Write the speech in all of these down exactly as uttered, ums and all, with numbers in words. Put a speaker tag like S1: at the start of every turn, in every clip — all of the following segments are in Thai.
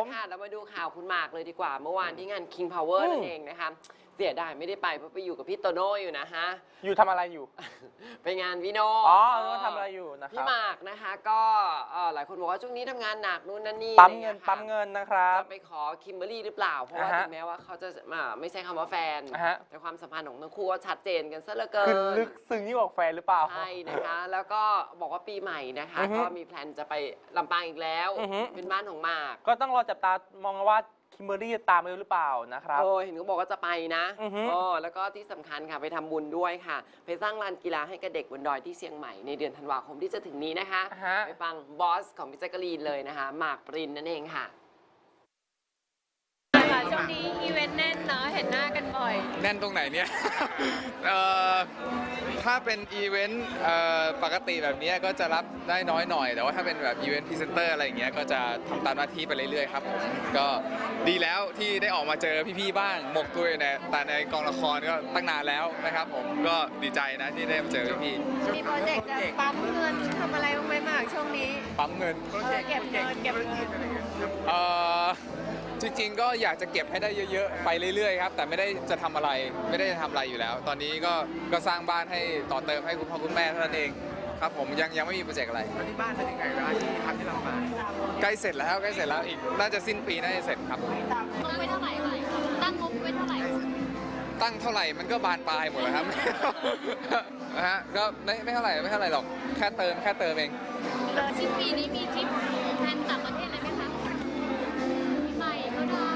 S1: ค่ะเรามาดูข่าวคุณหมากเลยดีกว่าเมื่อวานที่งาน King Power นั่นเองนะคะเสียดายไม่ได้ไปเพราะไปอยู่กับพี่โตโน่อยู่นะฮะ
S2: อยู่ทำอะไรอยู่
S1: ไปงานพี่โน่
S2: อ๋อว่าทำอะไรอยู่นะครับ
S1: พี่หมากนะคะก็หลายคนบอกว่าช่วงนี้ทำงานหนักนู่นนั่นนี่
S2: ปั๊มเงินปั๊มเงินนะครับ
S1: จะไปขอคิมเบอรรี่หรือเปล่าเพราะว่าถึงแม้ว่าเขาจะไม่ใช่คำว่าแฟนแต่ความสัมพันธ์ของทั้งคู่ก็ชัดเจนกันซะเหลือเกิน
S2: คือลึกซึ้งยิ่งกว่าแฟนหรือเปล่า
S1: ใช่นะคะแล้วก็บอกว่าปีใหม่นะคะก็มีแพลนจะไปลำปางอีกแล้วเป็นบ้านของหมาก
S2: ก็ต้องรอจับตามองว่าคิมเบอรรี่จะตามไปหรือเปล่านะครับ
S1: โอ้เห็นเขาบอกว่าจะไปนะอ๋อแล้วก็ที่สำคัญค่ะไปทำบุญด้วยค่ะไปสร้างลานกีฬาให้กับเด็กบนดอยที่เชียงใหม่ในเดือนธันวาคมที่จะถึงนี้นะคะไปฟังบอสของพี่แจ๊กกะลีนเลยนะคะหมากปรินนั่นเองค่ะ
S3: ช่วงนี้อีเวนต์แน่นเนาะเห็นหน้ากันบ่อย
S4: แน่นตรงไหนเนี่ยถ้าเป็นอีเวนต์ปกติแบบนี้ก็จะรับได้น้อยหน่อยแต่ว่าถ้าเป็นแบบอีเวนต์พรีเซนเตอร์อะไรอย่างเงี้ยก็จะทำตามหน้าที่ไปเรื่อยๆครับผมก็ดีแล้วที่ได้ออกมาเจอพี่ๆบ้างหมกตัวอยู่ในแต่ในกองละครก็ตั้งนานแล้วนะครับผมก็ดีใจนะที่ได้มาเจอพี่
S3: ๆมีโปรเจกต์จะปั๊มเงินทำอะไรบ้างไหมมากช่วงนี้
S4: ปั๊มเงิน
S3: เก็บเงินเก็บเงิน
S4: เอ่อจริงๆก็อยากจะเก็บให้ได้เยอะๆไปเรื่อยๆครับแต่ไม่ได้จะทำอะไรไม่ได้จะทำอะไรอยู่แล้วตอนนี้ก็ก็สร้างบ้านให้ต่อเติมให้คุณพ่อคุณแม่เท่านั้นเองครับผมยังยังไม่มีโปรเจกต์อะไร
S5: ที่บ้านเป็นยังไงร้านที่ทำที่ลำปาง
S4: ใกล้เสร็จแล้วใกล้เสร็จแล้วอีกน่าจะสิ้นปีน่าจะเสร็จครับ
S3: งบไว้เท่าไหร่ตั้งงบไว้เท่าไหร่
S4: ตั้งเท่าไหร่มันก็บานปลายหมดแล้วครับนะฮะก็ไม่ไม่เท่าไหร่ไม่เท่าไหร่หรอกแค่เติมแค่เติมเอง
S3: แล้วสิ้นปีนี้มีทริปแพลนต่างประเทศอะไรไหมคะใหม่ก็ได้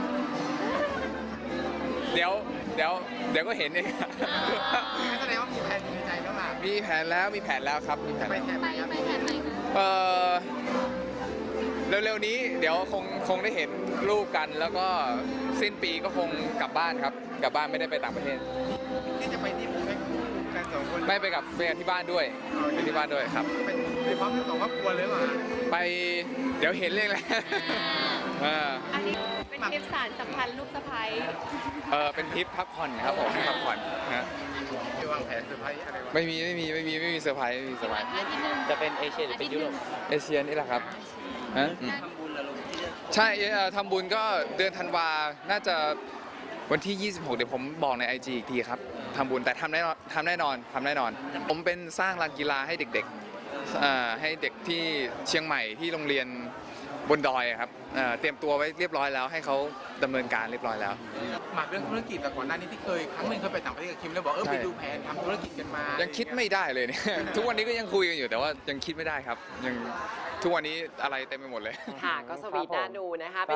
S4: เดี๋ยวเดี๋ยวเดี๋ยวก็เห็นเอง
S5: แสดงว่ามีแผนในใจแล้วล่ะ
S4: มีแผนแล้วมีแผนแล้วครับมีแผน
S3: ไปไปไปแผนไหนคะ
S4: เออเร็วๆนี้เดี๋ยวคงคงได้เห็นรูปกันแล้วก็สิ้นปีก็คงกลับบ้านครับกลับบ้านไม่ได้ไปต่างประเทศ
S5: ที่จะไปที่ผมไปกันสองคน
S4: ไม่ไปกับไปกับที่บ้านด้วยไปที่บ้านด้วยครับ
S5: เป็นไปพร้อมกันสองครอบครัวเลยว่ะ
S4: ไปเดี๋ยวเห็นเลยแหละ
S3: อันนี้เป็นทริปสารสัมพันธ์ลูกสะใภ้
S4: เออเป็นทริปพักผ่อนครับผมพักผ่อนนะ
S5: มีวางแผนเซอร์ไพรส์อะไรวะ
S4: ไม่มีไม่มีไม่มีไม่มีเซอร์ไพรส์ไม่มีเซอร์ไพรส์
S2: จะเป็นเอเชียหรือเป็นยุโรป
S4: เอเชียนี่แหละครับฮะใช่ทำบุญก็เดือนธันวาน่าจะวันที่ยี่สิบหกเดี๋ยวผมบอกใน ไอ จี อีกทีครับทำบุญแต่ทำแน่นอนทำแน่นอนทำแน่นอนผมเป็นสร้างลานกีฬาให้เด็กๆให้เด็กที่เชียงใหม่ที่โรงเรียนบนดอยครับเตรียมตัวไว้เรียบร้อยแล้วให้เขาดำเนินการเรียบร้อยแล้ว
S5: หมากเรื่องธุรกิจแต่ก่อนหน้านี้ที่เคยครั้งหนึ่งเคยไปต่างประเทศกับคิมแล้วบอกเออไปดูแผนทำธุรกิจกันมา
S4: ยังคิดไม่ได้เลยเนี่ยทุกวันนี้ก็ยังคุยกันอยู่แต่ว่ายังคิดไม่ได้ครับยังทุกวันนี้อะไรเต็มไปหมดเลย
S1: ค่ะก็สวีทน่าดูนะคะ